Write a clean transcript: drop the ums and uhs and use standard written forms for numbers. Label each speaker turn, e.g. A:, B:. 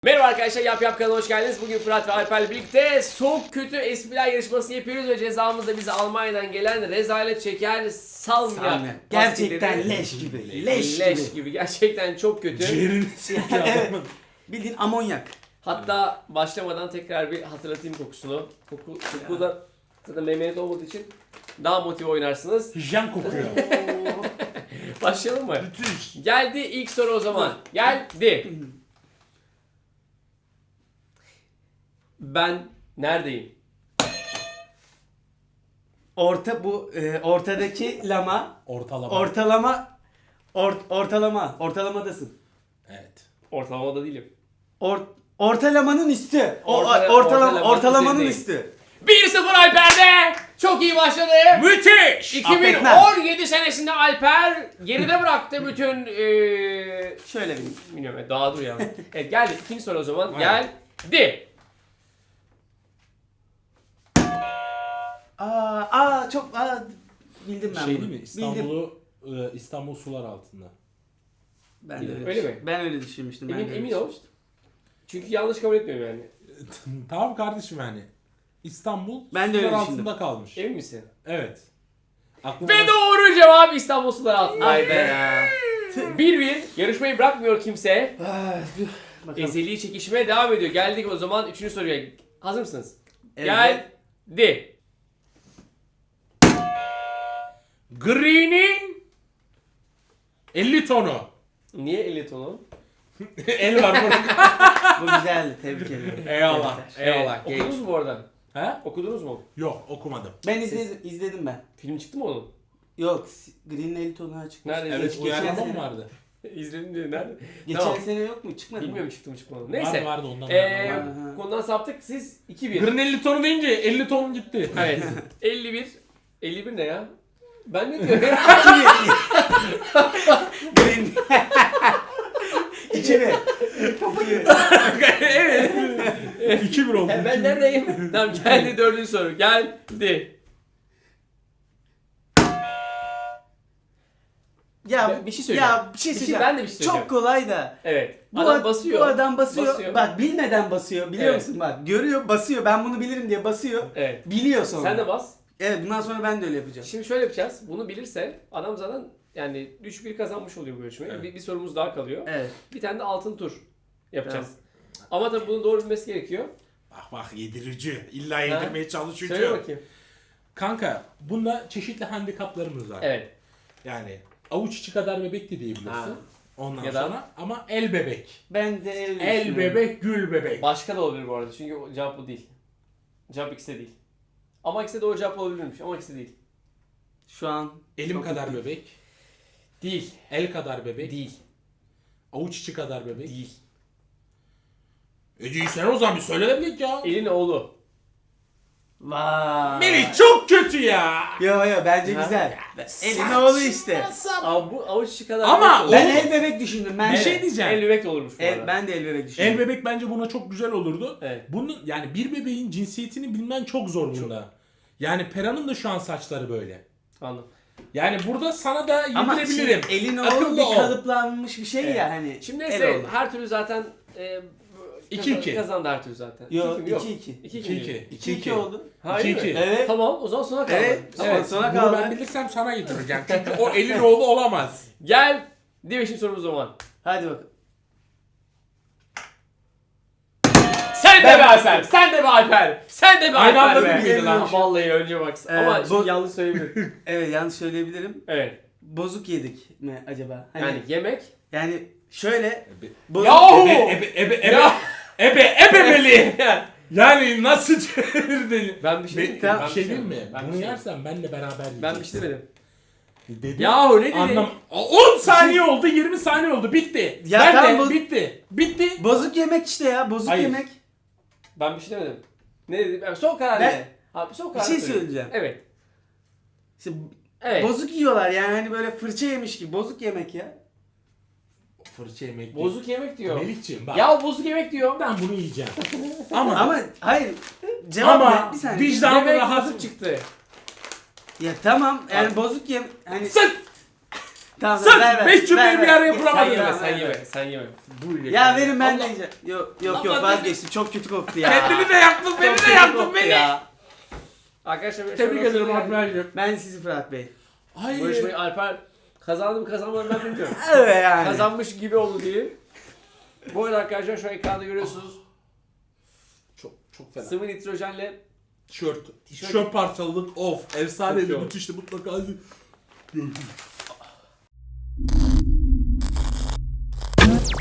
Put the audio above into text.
A: Merhaba arkadaşlar, Yap kanalına hoş geldiniz. Bugün Fırat ve Alper'le birlikte soğuk kötü espriler yarışması yapıyoruz ve cezamız da bize Almanya'dan gelen rezalet çeker salmiak.
B: Gerçekten leş gibi. Leş gibi.
A: Gerçekten çok kötü.
C: Ciğerini sikiyor
B: Evet.
C: adamın.
B: Bildiğin amonyak.
A: Hatta başlamadan tekrar bir hatırlatayım kokusunu. Koku da zaten meymenet olmadığı için daha motive oynarsınız.
C: Hijyen kokuyor.
A: Başlayalım mı?
C: Müthiş.
A: Geldi ilk soru o zaman. Geldi. Ben neredeyim?
B: Ortadaki lama
C: Ortalama.
B: ortalamadasın.
C: Evet.
A: Ortalamada değilim.
B: Ortalamanın üstü. Ortalamanın
A: üzerindeyim.
B: üstü.
A: 1-0 Alper'de. Çok iyi başladı.
C: Müthiş.
A: 2017 senesinde Alper geride bıraktı bütün
B: Şöyle bir.
A: bilmiyorum daha dur ya. Evet geldi ikinci soru o zaman.
C: Aynen.
A: Geldi.
B: Çok bildim ben
C: Şey
B: bunu.
C: değil mi? İstanbul sular altında.
B: Ben de
A: Öyle mi?
B: Ben öyle düşünmüştüm. ben de öyle
A: Emin ol.
B: düşünmüştüm.
A: Çünkü yanlış kabul etmiyorum yani.
C: Tamam kardeşim yani. İstanbul
B: Ben de
C: sular
B: öyle
C: altında
B: düşündüm.
C: kalmış.
A: Emin misin?
C: Evet.
A: Ve doğru cevap İstanbul suları altında.
B: Ay be ya.
A: 1-1. Yarışmayı bırakmıyor kimse.
B: Bakalım.
A: Ezeli çekişmeye devam ediyor. Geldik o zaman 3. soruya. Hazır mısınız?
B: Evet.
A: Geldi.
C: Green'in 50 tonu.
A: Niye 50 tonu?
C: El var burada.
B: Bu güzeldi. Tebrik ederim.
C: Eyvallah.
B: Tebrikler.
C: Eyvallah.
A: Okudunuz mu bu arada?
C: He?
A: Okudunuz mu?
C: Yok okumadım.
B: Ben izledim ben.
A: Film çıktı mı onun?
B: Yok, Green'in 50 tonuna çıkmış.
A: Nerede?
C: Evet
A: izledin?
C: uyarlama
B: sene.
C: mı vardı?
A: İzledim dedi. Nerede?
B: Geçen
A: Tamam.
B: sene yok mu? Çıkmadı mı?
A: Bilmiyorum çıktı mı çıkmadı mı.
C: Vardı
A: Neyse.
C: vardı ondan.
B: Aha.
A: Konudan saptık. Siz 2-1.
C: Green 50 tonu deyince 50 ton gitti.
A: Evet. 51. 51 ne ya? Ben ne diyorum?
B: Green. 2-1.
A: Evet.
C: 2-1 oldu.
A: Ben neredeyim? Tamam geldi 4. soru. Geldi.
B: Ya
A: Bir şey söyleyeceğim.
B: Ya bir şey
A: Bir şey-
B: söyleyeceğim.
A: ben de bir şey söyleyeceğim.
B: Çok kolay da.
A: Evet.
B: Bu
A: Adam basıyor.
B: Bu adam basıyor.
A: Basıyor.
B: Bak bilmeden basıyor. Biliyor
A: Evet.
B: musun? Bak görüyor, basıyor. Ben bunu bilirim diye basıyor.
A: Evet.
B: Biliyor sonra.
A: Sen de bas.
B: Evet, bundan sonra ben de öyle yapacağım.
A: Şimdi şöyle yapacağız. Bunu bilirse adam zaten yani 3-1 kazanmış oluyor bu yarışmayı.
C: Evet.
A: Bir sorumuz daha kalıyor.
B: Evet.
A: Bir tane de altın tur yapacağız. Ama tabii bunu doğru bilmesi gerekiyor.
C: Bak yedirici. İlla yedirmeye çalışıyor.
A: Söyle bakayım.
C: Kanka bunda çeşitli handikaplarımız var.
A: Evet.
C: Yani avuç içi kadar bebek de diyebilirsin.
A: Ha.
C: Ondan
A: Ya da-
C: sonra ama el bebek.
B: Ben de öyle
C: El
B: düşünüyorum.
C: bebek, gül bebek.
A: Başka da olabilir bu arada. Çünkü o cevap bu değil. Cevap ikisi de değil. Ama ikisi de doğru cevap olabilirmiş. Ama ikisi de değil.
B: Şu an
C: Elim
B: çok
C: kadar
B: mutluyum.
C: bebek.
A: Değil.
C: El kadar bebek.
A: Değil.
C: Avuç içi kadar bebek.
A: Değil.
C: Ece'yi sen o zaman bir söyle de bilek ya.
A: Elin oğlu.
B: Vay.
C: Melih çok kötü ya.
B: Yo bence
A: Ha?
B: güzel. Elin oğlu işte.
A: Ama bu avuç içi kadar
C: Ama
A: bebek de
B: Ben
A: olur.
B: el bebek düşündüm. Ben
C: Bir
B: de.
C: şey diyeceğim.
A: El bebek de olurmuş bu arada.
B: Ben de el bebek düşündüm.
C: El bebek bence buna çok güzel olurdu.
A: Evet.
C: Bunun yani bir bebeğin cinsiyetini bilmen çok zor bunda. Yani Pera'nın da şu an saçları böyle.
A: Anladım.
C: Yani burada sana da
B: Ama
C: yedirebilirim.
B: şimdi elin oğlu
C: Akıllı
B: bir
C: ol.
B: kalıplanmış bir şey
A: Evet.
B: ya hani.
A: Şimdi
B: el
A: neyse
B: oğlu.
A: her türlü zaten
C: 2-2.
A: kazandı her türlü zaten.
B: Yo
A: 2-2 yok.
B: 2-2.
A: 2-2.
B: 2-2 oldu.
A: Ha, öyle
C: 2-2.
A: mi?
B: Evet.
A: Tamam o zaman sona kaldı.
B: Evet.
A: Tamam.
B: Evet. Sonra
C: Bunu
B: kaldı.
C: ben bilirsem sana getireceğim. Çünkü o elin oğlu olamaz.
A: Gel. Beşinci sorumuz o zaman.
B: Hadi bakalım.
A: Sen de be Alper. Sen de be Alper. Sen de be
C: Aynı
A: Alper
C: anda
A: be.
C: mıydı lan?
A: Vallahi önce bak. Ama şimdi
B: bu-
A: yanlış söyleyebilirim.
B: Evet, yanlış söyleyebilirim.
A: Evet.
B: Bozuk yedik mi acaba? Hani,
A: Yani yemek.
B: yani şöyle bozuk
A: Yahu!
C: Ebe Melih. Yani nasıl çevirdin?
A: Ben bir şey
C: Bir
A: ben
C: şey diyeyim mi?
A: Ben
C: Bunu
A: bir şey-
C: yersen benle beraber yiyeceğiz.
A: Ben bir şey demedim.
C: Dedim.
A: Yahu ne dedin?
C: Anlam. 10 saniye oldu, 20 saniye oldu. Bitti.
B: Ya
C: ben
B: tamam,
C: de
B: bu-
C: bitti. Bitti.
B: bozuk yemek işte ya, bozuk
C: Hayır.
B: yemek.
A: Ben bir şey demedim. Ne dedim? Ben son karar
B: Ben-
A: ne? Abi son
B: Bir
A: karar
B: şey
A: söyle.
B: söyleyeceğim.
A: Evet.
B: İşte
A: Evet.
B: bozuk yiyorlar yani, hani böyle fırça yemiş gibi bozuk yemek ya.
C: Fırça yemek.
A: Bozuk yemek diyor.
C: Melih'ciğim bak.
A: Ya bozuk yemek diyor.
C: Ben bunu yiyeceğim. Ama
B: Ama hayır. Cevap
C: Ama
B: ne? Bir saniye.
C: vicdan-
A: Yemek
C: rahatsız-
A: bozuk çıktı.
B: Ya tamam yani
A: Abi-
B: bozuk yem hani
C: Sık!
B: Tamam,
C: Sırf
B: ver, ver,
C: 5 cümleyi
B: ver,
C: bir
B: ver.
C: araya
A: Sen
C: kuramadın.
A: yeme,
B: Tamam,
A: sen
B: ver,
A: yeme,
B: ver.
A: sen yeme.
B: Ya verin ben de
A: Allah.
B: yiyeceğim. Yok
C: Allah
B: vazgeçtim. Çok kötü koktu ya.
C: Kendini de yaktın, beni
B: Çok
C: de
B: kötü
C: yaktın
B: koktu
C: beni.
B: ya.
A: Arkadaşlar bir
C: Tebrik
A: aşamasına
C: ederim
A: geldik.
C: Alper'cim.
B: Ben sizi Fırat Bey.
A: Bu yarışmayı Alper kazandı mı kazanmadı mı ben bilmiyorum.
B: Evet yani.
A: Kazanmış gibi oldu diyelim. Bu arada arkadaşlar şu ekranda görüyorsunuz.
C: Çok fena.
A: Sıvı nitrojenle
C: Tişört parçalılık of. Efsane
A: Çok iyi
C: bir
A: oldu.
C: müthişti mutlaka.